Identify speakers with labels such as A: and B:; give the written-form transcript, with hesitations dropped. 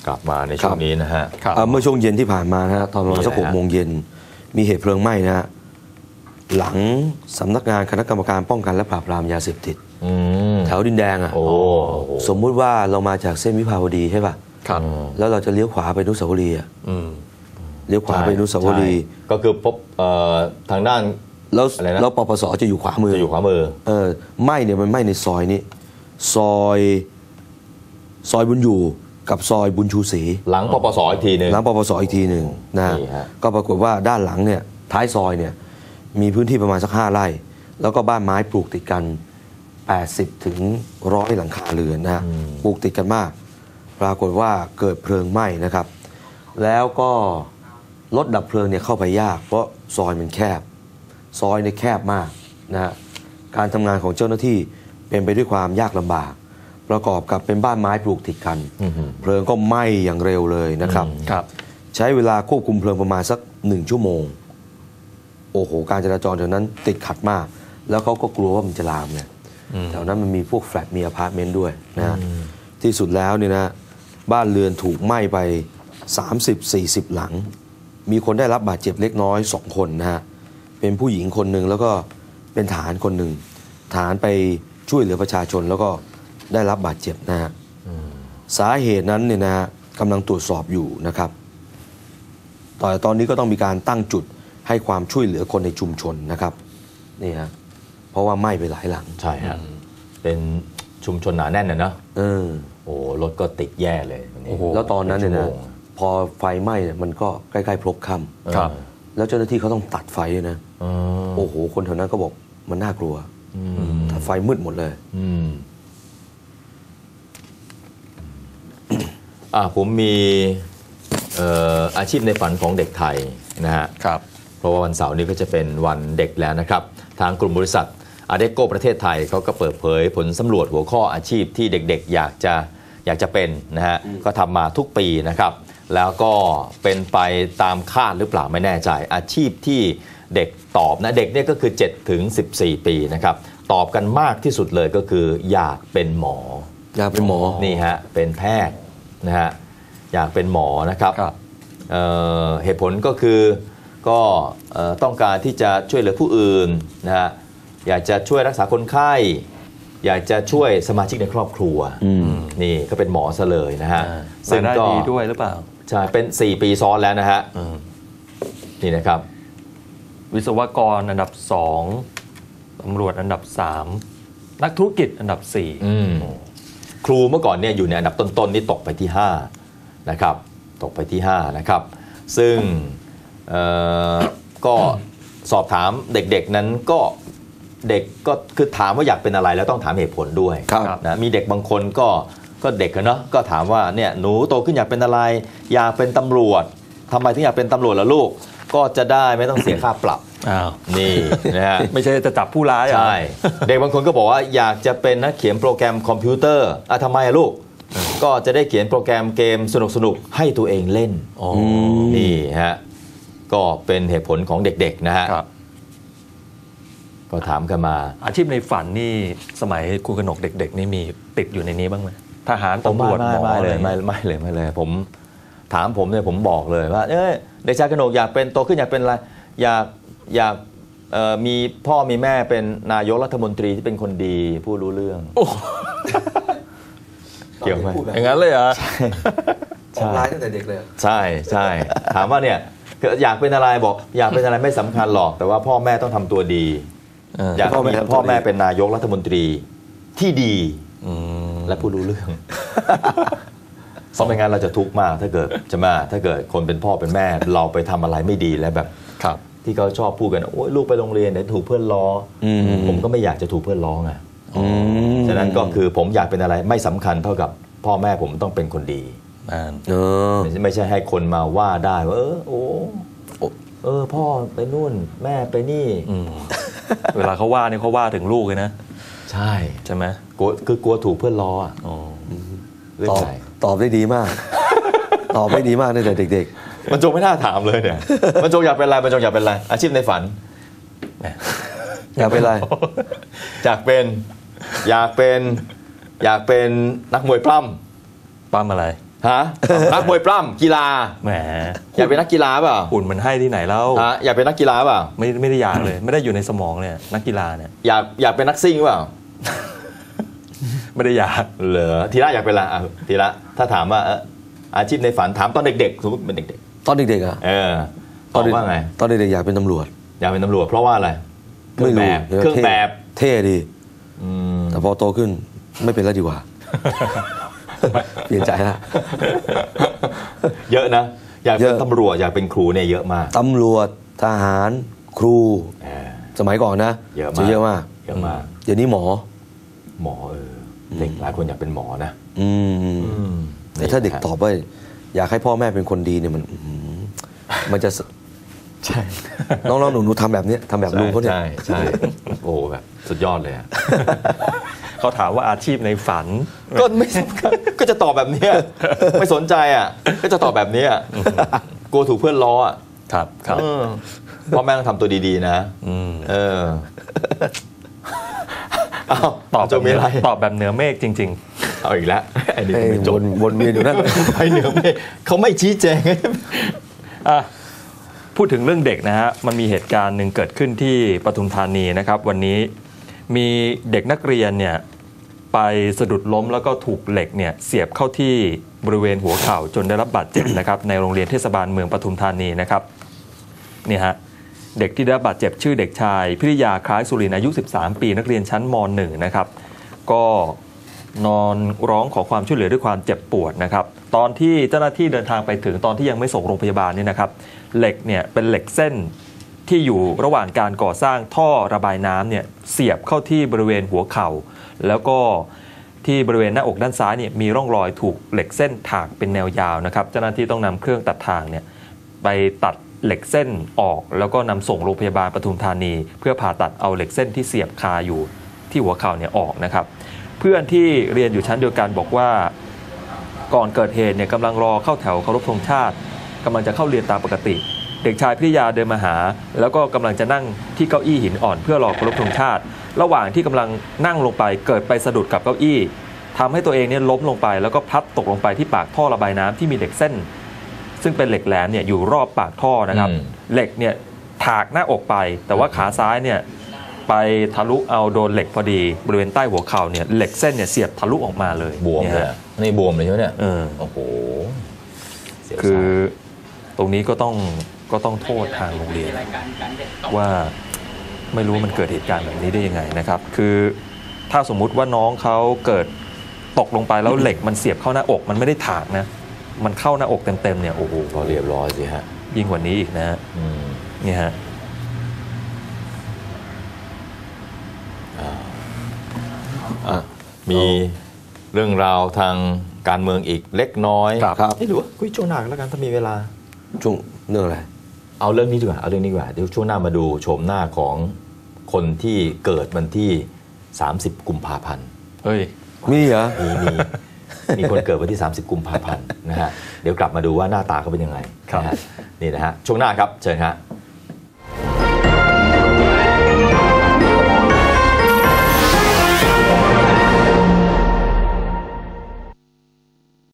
A: กลับมาในช่วงนี้นะฮะ
B: เมื่อช่วงเย็นที่ผ่านมานะฮะตอนประมาณสัก6 โมงเย็นมีเหตุเพลิงไหม้นะฮะหลังสำนักงานคณะกรรมการป้องกันและปราบปรามยาเสพติดแถวดินแดงอ่ะสมมุติว่าเรามาจากเส้นวิภาวดีใช่ป่ะแล้วเราจะเลี้ยวขวาไปอนุสาวรีย์เลี้ยวขวาไปอนุสาวรีย์
A: ก็คือพบทางด้าน
B: แล้วปปสจะอยู่ขวามือไหม้เนี่ยมันไหม้ในซอยนี้ซอยบุญอยู่กับซอยบุญชูศรี
A: หลังปปสอีกทีหนึ่ง
B: นะก็ปรากฏว่าด้านหลังเนี่ยท้ายซอยเนี่ยมีพื้นที่ประมาณสัก5 ไร่แล้วก็บ้านไม้ปลูกติดกัน80 ถึง 100 หลังคาเรือนนะปลูกติดกันมากปรากฏว่าเกิดเพลิงไหม้นะครับแล้วก็รถดับเพลิงเนี่ยเข้าไปยากเพราะซอยมันแคบซอยเนี่ยแคบมากนะฮะการทำงานของเจ้าหน้าที่เป็นไปด้วยความยากลำบากประกอบกับเป็นบ้านไม้ปลูกติดกันเพลิงก็ไหม้อย่างเร็วเลยนะครับใช้เวลาควบคุมเพลิงประมาณสัก1 ชั่วโมงโอ้โหการจราจรแถวนั้นติดขัดมากแล้วเขาก็กลัวว่ามันจะลามเนี่ยแถวนั้นมันมีพวกแฟลตมีอพาร์ตเมนต์ด้วยนะที่สุดแล้วเนี่ยนะบ้านเรือนถูกไหม้ไป30-40 หลังมีคนได้รับบาดเจ็บเล็กน้อย2 คนนะฮะเป็นผู้หญิงคนหนึ่งแล้วก็เป็นทหารคนหนึ่งทหารไปช่วยเหลือประชาชนแล้วก็ได้รับบาดเจ็บนะฮะสาเหตุนั้นเนี่ยนะฮะกำลังตรวจสอบอยู่นะครับตอนนี้ก็ต้องมีการตั้งจุดให้ความช่วยเหลือคนในชุมชนนะครับนี่ฮะเพราะว่าไหม้ไปหลายหลัง
A: ใช่ฮะเป็นชุมชนหนาแน่นนะโอ้รถก็ติดแย่เลย
B: แล้วตอนนั้นเนี่ยนะพอไฟไหม้เนี่ยมันก็ใกล้ๆพลบค่ำแล้วเจ้าหน้าที่เขาต้องตัดไฟด้วยนะโอ้โหคนแถวนั้นก็บอกมันน่ากลัวถ้าไฟมืดหมดเลย
A: ผมมีอาชีพในฝันของเด็กไทยนะฮะเพราะว่าวันเสาร์นี้ก็จะเป็นวันเด็กแล้วนะครับทางกลุ่มบริษัทอาเดโกประเทศไทยเขาก็เปิดเผยผลสำรวจหัวข้ออาชีพที่เด็กๆอยากจะเป็นนะฮะก็ทำมาทุกปีนะครับแล้วก็เป็นไปตามคาดหรือเปล่าไม่แน่ใจอาชีพที่เด็กตอบนะเด็กเนี่ยก็คือ7 ถึง 14 ปีนะครับตอบกันมากที่สุดเลยก็คืออยากเป็นหมอนี่ฮะเป็นแพทย์นะฮะอยากเป็นหมอนะครับเหตุผลก็คือก็ต้องการที่จะช่วยเหลือผู้อื่นนะฮะอยากจะช่วยรักษาคนไข้อยากจะช่วยสมาชิกในครอบครัวนี่ก็เป็นหมอซะเลยนะฮะ
C: ซึ่งก็ดีด้วยหรือเปล่า
A: ใช่เป็น4 ปีซ้อนแล้วนะฮะนี่นะครับ
C: วิศวกรอันดับ2ตำรวจอันดับ3นักธุรกิจอันดับ4
A: ครูเมื่อก่อนเนี่ยอยู่ในอันดับต้นๆนี่ตกไปที่5นะครับตกไปที่5นะครับซึ่งก็สอบถามเด็กๆนั้นก็เด็กก็คือถามว่าอยากเป็นอะไรแล้วต้องถามเหตุผลด้วยนะมีเด็กบางคนก็เด็กเนาะก็ถามว่าเนี่ยหนูโตขึ้นอยากเป็นอะไรอยากเป็นตำรวจทำไมถึงอยากเป็นตำรวจล่ะลูกก็จะได้ไม่ต้องเสียค่าปรับนี่นะฮะ
C: ไม่ใช่จะจับผู้ร้าย
A: ใช่เด็กบางคนก็บอกว่าอยากจะเป็นนักเขียนโปรแกรมคอมพิวเตอร์ทำไมลูกก็จะได้เขียนโปรแกรมเกมสนุกๆให้ตัวเองเล่นนี่ฮะก็เป็นเหตุผลของเด็กๆนะฮะก็ถามกันมา
C: อาชีพในฝันนี่สมัยคุณกนกเด็กๆนี่มีติดอยู่ในนี้บ้างไหมทหารตำรวจหมอ
A: ไม่เลยผมถามผมเนี่ยผมบอกเลยว่าเด็กชายกนกอยากเป็นโตขึ้นอยากเป็นอะไรอยากมีพ่อมีแม่เป็นนายกรัฐมนตรีที่เป็นคนดีผู้รู้เรื่องเกี่ยวไหม
C: อย่างนั้นเลยเหรอ
B: ใช่ร้ายตั้งแต่เด็กเลย
A: ใช่ถามว่าเนี่ยอยากเป็นอะไรบอกอยากเป็นอะไรไม่สำคัญหรอกแต่ว่าพ่อแม่ต้องทำตัวดีอยากมีพ่อแม่เป็นนายกรัฐมนตรีที่ดีและผู้รู้เรื่องเพราะไม่งั้นเราจะทุกข์มากถ้าเกิดคนเป็นพ่อเป็นแม่เราไปทำอะไรไม่ดีแล้วแบบที่เขาชอบพูดกันโอ้ยลูกไปโรงเรียนเดี๋ยวถูกเพื่อนล้อผมก็ไม่อยากจะถูกเพื่อนล้อไงฉะนั้นก็คือผมอยากเป็นอะไรไม่สำคัญเท่ากับพ่อแม่ผมต้องเป็นคนดีไม่ใช่ให้คนมาว่าได้ว่าพ่อไปนู่นแม่ไปนี่
C: เวลาเขาว่านี่เขาว่าถึงลูกเลยนะ
A: ใช่
C: ไหม
A: กลัวถูกเพื่อนล้อ
B: ตอบได้ดีมากตอบได้ดีมากตั้งแต่เด็ก
A: ๆมันจงไม่น่าถามเลยเนี่ยมันจงอยากเป็นอะไรอาชีพในฝัน
B: อยากเป็นอะไร
A: อยากเป็นนักมวยปล้ำ
C: อะไร
A: ฮะ นักมวยปล้ำกีฬา
C: แหม
A: อยากเป็นนักกีฬาเปล่า
C: หุ่นมันให้ที่ไหนแล้ว
A: ฮะอยากเป็นนักกีฬาเปล่า
C: ไม่ได้อยากเลย ไม่ได้อยู่ในสมองเลยนักกีฬาเนี่ย
A: อยากเป็นนักซิ่งเปล่า
C: ไม่ได้อยาก
A: เหรอทีละอยากเป็นอะไรอ่ะทีละถ้าถามว่าอาชีพในฝันถามตอนเด็กๆสมมติเป็นเด็ก
B: ตอนเด็กๆอ่ะ
A: ๆตอบว่าไง
B: ตอนเด็กๆอยากเป็นตำรวจ
A: อยากเป็นตำรวจเพราะว่าอะไรเครื่อง
B: ไม่
A: แบ
B: รู้
A: บเครื่องแบบ
B: เท่ดี
A: อืม
B: แต่พอโตขึ้นไม่เป็นแล้วดีกว่า เปลี่ยนใจละ
A: เยอะนะอยากเป็น
B: เยอะ
A: ตำรวจอยากเป็นครูเนี่ยเยอะมาก
B: ตำรวจทหารครู
A: เออ
B: สมัยก่อนนะ
A: เยอะมาก
B: จะเยอะมาก
A: เยอะมาก
B: เดี๋ยวนี้หมอ
A: หมอเด็กหลายคนอยากเป็นหมอนะ
B: อืมแต่ถ้าเด็กตอบว่าอยากให้พ่อแม่เป็นคนดีเนี่ยมันจะ
A: ใช่
B: น้องๆหนูๆทำแบบนี้ทำแบบลุงเขาเนี่ย
A: ใช่โอ้แบบสุดยอดเลยอะ
C: เขาถามว่าอาชีพในฝัน
A: ก็ไม่ก็จะตอบแบบเนี้ยไม่สนใจอ่ะก็จะตอบแบบเนี้ยกลัวถูกเพื่อนล้ออ่ะ
C: ครับครับ
A: พ่อแม่ต้องทำตัวดีๆนะเอา
C: ตอบ
A: จะมีอะไร
C: ตอบแบบเหนือเมฆจริง
A: เอาอีกแล้วไอ้นี่
B: เอ้ย
A: ไม่จบ
B: วนเวียนอยู่นั่น
A: ไปเหนือไม่เขาไม่ชี้แจง
C: ๆอ่ะพูดถึงเรื่องเด็กนะฮะมันมีเหตุการณ์หนึ่งเกิดขึ้นที่ปทุมธานีนะครับ วันนี้มีเด็กนักเรียนเนี่ยไปสะดุดล้มแล้วก็ถูกเหล็กเนี่ยเสียบเข้าที่บริเวณหัวเข่าจนได้รับบาดเจ็บนะครับ ในโรงเรียนเทศบาลเมืองปทุมธานีนะครับนี่ฮะเด็กที่ได้รับบาดเจ็บชื่อเด็กชายพิริยาคล้ายสุรินทร์อายุ 13 ปีนักเรียนชั้นม .1 นะครับก็นอนร้องขอความช่วยเหลือด้วยความเจ็บปวดนะครับตอนที่เจ้าหน้าที่เดินทางไปถึงตอนที่ยังไม่ส่งโรงพยาบาลนี่นะครับเหล็กเนี่ยเป็นเหล็กเส้นที่อยู่ระหว่างการก่อสร้างท่อระบายน้ำเนี่ยเสียบเข้าที่บริเวณหัวเข่าแล้วก็ที่บริเวณหน้าอกด้านซ้ายเนี่ยมีร่องรอยถูกเหล็กเส้นถากเป็นแนวยาวนะครับเจ้าหน้าที่ต้องนำเครื่องตัดทางเนี่ยไปตัดเหล็กเส้นออกแล้วก็นำส่งโรงพยาบาลปทุมธานีเพื่อผ่าตัดเอาเหล็กเส้นที่เสียบคาอยู่ที่หัวเข่าเนี่ยออกนะครับเพื่อนที่เรียนอยู่ชั้นเดียวกันบอกว่าก่อนเกิดเหตุเนี่ยกำลังรอเข้าแถวเคารพธงชาติกำลังจะเข้าเรียนตามปกติเด็กชายพิริยาเดินมาหาแล้วก็กำลังจะนั่งที่เก้าอี้หินอ่อนเพื่อรอเคารพธงชาติระหว่างที่กำลังนั่งลงไปเกิดไปสะดุดกับเก้าอี้ทำให้ตัวเองเนี่ยล้มลงไปแล้วก็พลัดตกลงไปที่ปากท่อระบายน้ำที่มีเหล็กเส้นซึ่งเป็นเหล็กแหลมเนี่ยอยู่รอบปากท่อนะครับเหล็กเนี่ยถากหน้าอกไปแต่ว่าขาซ้ายเนี่ยไปทะลุเอาโดนเหล็กพอดีบริเวณใต้หัวเข่าเนี่ยเหล็กเส้นเนี่ยเสียบทะลุออกมาเลย
A: บวมเลยนี่บวมเลยใช่ไหมเนี่ย
C: โอ้โห
A: เสียว
C: คือตรงนี้ก็ต้องโทษทางโรงเรียนว่าไม่รู้มันเกิดเหตุการณ์แบบนี้ได้ยังไงนะครับคือถ้าสมมุติว่าน้องเขาเกิดตกลงไปแล้วเหล็กมันเสียบเข้าหน้าอกมันไม่ได้ถากนะมันเข้าหน้าอกเต็มๆเนี่ยโอ้โห
A: ก็เรียบร้อยสิฮะ
C: ยิ่งกว่านี้อีกนะฮะนี่ฮะ
A: มีเรื่องราวทางการเมืองอีกเล็กน้อย
B: ครับ
A: หรือว่าคุยช่วงหน้าแล้วกันถ้ามีเวลา
B: ช่วงเรื่องอะไร
A: เอาเรื่องนี้ดีกว่าเดี๋ยวช่วงหน้ามาดูโฉมหน้าของคนที่เกิดวันที่ 30 กุมภาพันธ์
C: เฮ้ย
B: มีเหรอ
A: มีคนเกิดวันที่ 30 กุมภาพันธ์นะฮะเดี๋ยวกลับมาดูว่าหน้าตาเขาเป็นยังไงนะฮะนี่นะฮะช่วงหน้าครับเชิญฮะ